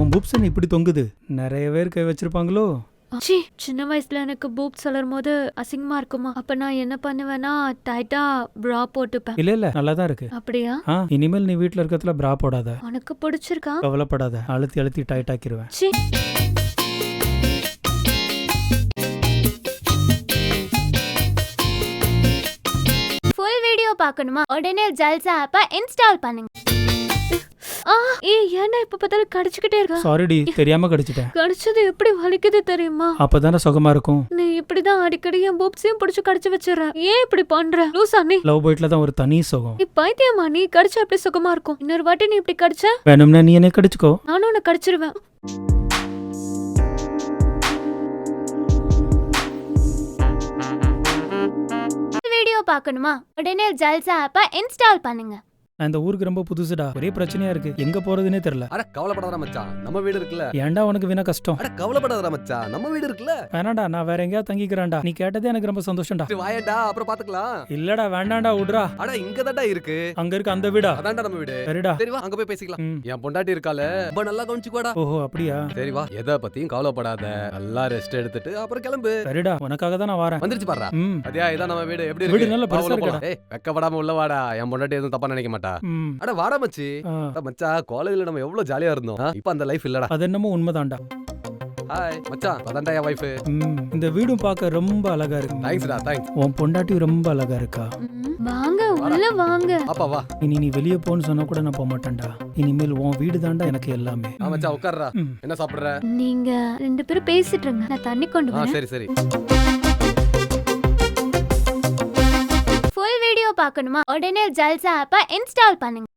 என் boobs என்ன இப்படி தொங்குது? நிறைய பேர் கை வச்சிருப்பாங்களோ? ச்சீ, சின்ன வயசுல எனக்கு பூப்ஸ் வளரும் போது அசிங்கமா இருக்குமா? அப்ப நான் என்ன பண்ணுவேன்னா டைட்டா bra போட்டுப்பேன். இல்ல நல்லா தான் இருக்கு. அப்படியா? இனிமேல் நீ வீட்ல இருக்கத்துல bra போடாத. உனக்கு பிடிச்சிருக்கா? கவலைப்படாத, அழுத்தி அழுத்தி டைட் ஆக்கிடுவேன். ச்சீ. ஃபுல் வீடியோ பார்க்கணுமா? உடனே ஜல்சா ஆப்பை இன்ஸ்டால் பண்ணுங்க. ஏன்டா இப்ப பார்த்தாலும் கடிச்சுக்கிட்டே இருக்க? சாரிடி, தெரியாம கடிச்சிட்டேன். கடிச்சது எப்படி வலிக்குது தெரியுமா? அப்பதானே சுகமா இருக்கும். நீ இப்படிதான் அடிக்கடி என் பூப்ஸையும் பிடிச்சு கடிச்சு வச்சிடற. ஏன் இப்படி பண்ற? லூசா நீ? லவ் பைட்ல தான் ஒரு தனி சுகம். நீ பைத்தியமா? நீ கடிச்சா எப்படி சுகமா இருக்கும்? இன்னொரு வாட்டி நீ இப்படி கடிச்ச வேணும்னா நீ என்ன கடிச்சுக்கோ. நானும் உன்னை கடிச்சிருவேன். வீடியோ பார்க்கணுமா? உடனே ஜல்சா ஆப்பை இன்ஸ்டால் பண்ணுங்க. நான் இந்த ஊருக்கு ரொம்ப புதுசுடா, ஒரே பிரச்சனையா இருக்கு, எங்க போறதுனே தெரியல. அட கவலைப்படாத மச்சான், நம்ம வீடு இருக்குல்ல. ஏன்டா உனக்கு வீணா கஷ்டம்? அட கவலைப்படாத மச்சான், நம்ம வீடு இருக்குல்ல. வேணாண்டா, நான் வேற எங்கேயா தங்கிக்கிறேன்டா. நீ கேட்டதே எனக்கு ரொம்ப சந்தோஷம்டா. வாயடா, அப்புறம் பாத்துக்கலாம். இல்லடா வேண்டாண்டா, விடுறா. அட இங்க தான்டா இருக்கு. அங்க இருக்க அந்த வீடா? அதான்டா நம்ம வீடு. சரிடா, சரி வா, அங்க போய் பேசிக்கலாம். என் பொண்டாட்டி இருக்கால, ரொம்ப நல்லா கவனிச்சுக்கோடா. ஓஹோ அப்படியா? சரி வா, எதை பத்தியும் கவலைப்படாத, நல்லா ரெஸ்ட் எடுத்துட்டு அப்புறம் கிளம்பு. சரிடா, உனக்காக தான் நான் வரேன். வந்துருச்சு பாறா. அதே இதான் நம்ம வீடு. எப்படி வீடு இருக்கு? நல்ல பெருசா இருக்குடா. ஏய், வெக்கப்படாம உள்ள வாடா. என் பொண்டாட்டி எதுவும் தப்பா நினைக்க மாட்டா. அட வாடா மச்சி. மச்சான், காலேஜ்ல நம்ம எவ்வளவு ஜாலியா இருந்தோம். இப்ப அந்த லைஃப் இல்லடா. அது என்னமோ உண்மைதான்டா. ஹாய் மச்சான், அதான்டா என் வைஃப். இந்த வீடும் பார்க்க ரொம்ப அழகா இருக்கு. தேங்க்ஸ்டா, தேங்க்ஸ். உன் பொண்டாட்டி ரொம்ப அழகா இருக்கா. வாங்க உள்ள வாங்க. அப்பா வா. இனி நீ வெளிய போன்னு சொன்னா கூட நான் போக மாட்டேன்டா. இனிமேல் உன் வீடு தான்டா எனக்கு எல்லாமே. மச்சான் உட்கார்றா. என்ன சாப்பிடுற? நீங்க ரெண்டு பேரும் பேசிட்டு இருங்க, நான் தண்ணி கொண்டு வரேன். சரி சரி. ஃபுல் வீடியோ பார்க்கணுமா? உடனே ஜல்சா ஆப்பை இன்ஸ்டால் பண்ணுங்க.